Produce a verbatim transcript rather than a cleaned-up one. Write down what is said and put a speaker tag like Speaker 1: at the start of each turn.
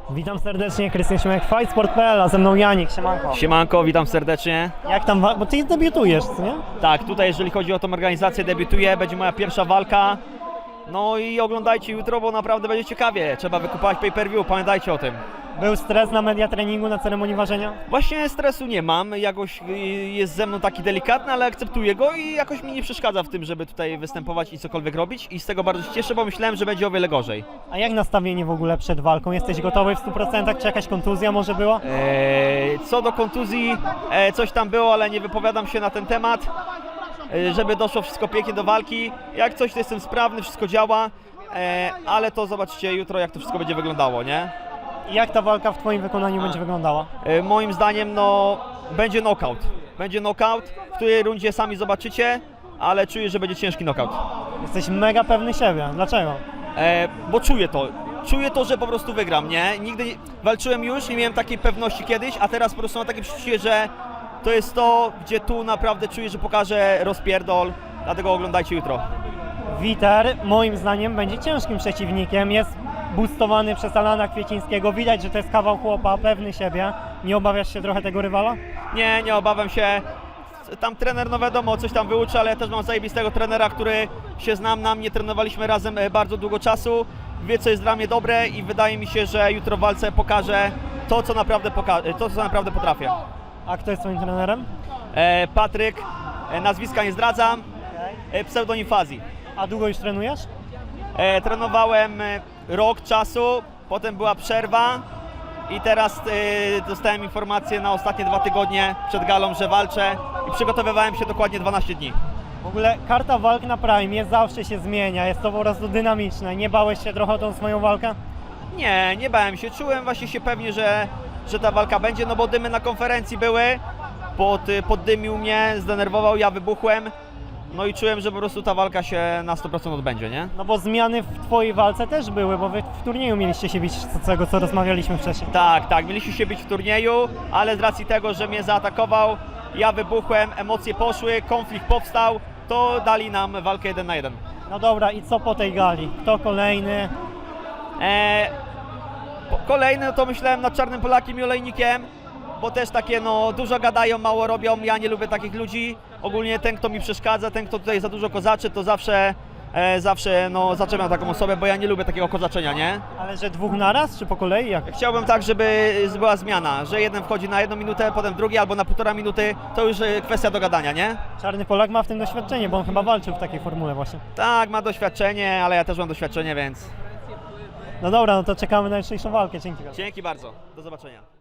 Speaker 1: Witam serdecznie, Krystian Szymek, fight sport kropka p l, a ze mną Janik, siemanko.
Speaker 2: Siemanko, witam serdecznie.
Speaker 1: Jak tam, bo ty debiutujesz, co nie?
Speaker 2: Tak, tutaj jeżeli chodzi o tą organizację, debiutuję, będzie moja pierwsza walka. No i oglądajcie jutro, bo naprawdę będzie ciekawie. Trzeba wykupować pay-per-view, pamiętajcie o tym.
Speaker 1: Był stres na media treningu, na ceremonii ważenia?
Speaker 2: Właśnie stresu nie mam, jakoś y, jest ze mną taki delikatny, ale akceptuję go i jakoś mi nie przeszkadza w tym, żeby tutaj występować i cokolwiek robić. I z tego bardzo się cieszę, bo myślałem, że będzie o wiele gorzej.
Speaker 1: A jak nastawienie w ogóle przed walką? Jesteś gotowy w stu procentach? Czy jakaś kontuzja może była?
Speaker 2: Eee, co do kontuzji, e, coś tam było, ale nie wypowiadam się na ten temat. E, żeby doszło wszystko pięknie do walki. Jak coś, to jestem sprawny, wszystko działa, e, ale to zobaczycie jutro, jak to wszystko będzie wyglądało, nie?
Speaker 1: I jak ta walka w twoim wykonaniu będzie wyglądała?
Speaker 2: E, moim zdaniem, no, będzie knockout. Będzie knockout, w której rundzie sami zobaczycie, ale czuję, że będzie ciężki knockout.
Speaker 1: Jesteś mega pewny siebie, dlaczego?
Speaker 2: E, bo czuję to. Czuję to, że po prostu wygram, nie? Nigdy nie, walczyłem już, nie miałem takiej pewności kiedyś, a teraz po prostu mam takie przeczucie, że to jest to, gdzie tu naprawdę czuję, że pokażę rozpierdol, dlatego oglądajcie jutro.
Speaker 1: Witer moim zdaniem będzie ciężkim przeciwnikiem, jest boostowany przez Alana Kwiecińskiego, widać, że to jest kawał chłopa, pewny siebie. Nie obawiasz się trochę tego rywala?
Speaker 2: Nie, nie obawiam się. Tam trener, no wiadomo, coś tam wyuczy, ale ja też mam zajebistego trenera, który się znam na mnie, trenowaliśmy razem bardzo długo czasu, wie, co jest dla mnie dobre i wydaje mi się, że jutro w walce pokażę to, co naprawdę, poka- to, co naprawdę potrafię.
Speaker 1: A kto jest twoim trenerem?
Speaker 2: E, Patryk, e, nazwiska nie zdradzam, e, pseudonim Fazi.
Speaker 1: A długo już trenujesz?
Speaker 2: E, trenowałem e, rok czasu, potem była przerwa i teraz e, dostałem informację na ostatnie dwa tygodnie przed galą, że walczę i przygotowywałem się dokładnie dwanaście dni.
Speaker 1: W ogóle karta walk na Prime zawsze się zmienia, jest to po prostu dynamiczne. Nie bałeś się trochę o tą swoją walkę?
Speaker 2: Nie, nie bałem się, czułem właśnie się pewnie, że, że ta walka będzie, no bo dymy na konferencji były, pod, poddymił mnie, zdenerwował, ja wybuchłem, no i czułem, że po prostu ta walka się na sto procent odbędzie, nie?
Speaker 1: No bo zmiany w twojej walce też były, bo wy w turnieju mieliście się bić, z tego co rozmawialiśmy wcześniej.
Speaker 2: Tak, tak, mieliśmy się bić w turnieju, ale z racji tego, że mnie zaatakował, ja wybuchłem, emocje poszły, konflikt powstał, to dali nam walkę jeden na jeden.
Speaker 1: No dobra, i co po tej gali? Kto kolejny?
Speaker 2: Eee, po- kolejny no to myślałem nad Czarnym Polakiem i Olejnikiem, bo też takie no dużo gadają, mało robią, ja nie lubię takich ludzi. Ogólnie ten, kto mi przeszkadza, ten, kto tutaj za dużo kozaczy, to zawsze, e, zawsze no zaczepiam taką osobę, bo ja nie lubię takiego kozaczenia, nie?
Speaker 1: Ale że dwóch naraz, czy po kolei? Jak?
Speaker 2: Chciałbym tak, żeby była zmiana, że jeden wchodzi na jedną minutę, potem drugi albo na półtora minuty, to już e, kwestia dogadania, nie?
Speaker 1: Czarny Polak ma w tym doświadczenie, bo on chyba walczył w takiej formule właśnie.
Speaker 2: Tak, ma doświadczenie, ale ja też mam doświadczenie, więc
Speaker 1: No dobra, no to czekamy na jutrzejszą walkę, dzięki.
Speaker 2: dzięki bardzo, do zobaczenia.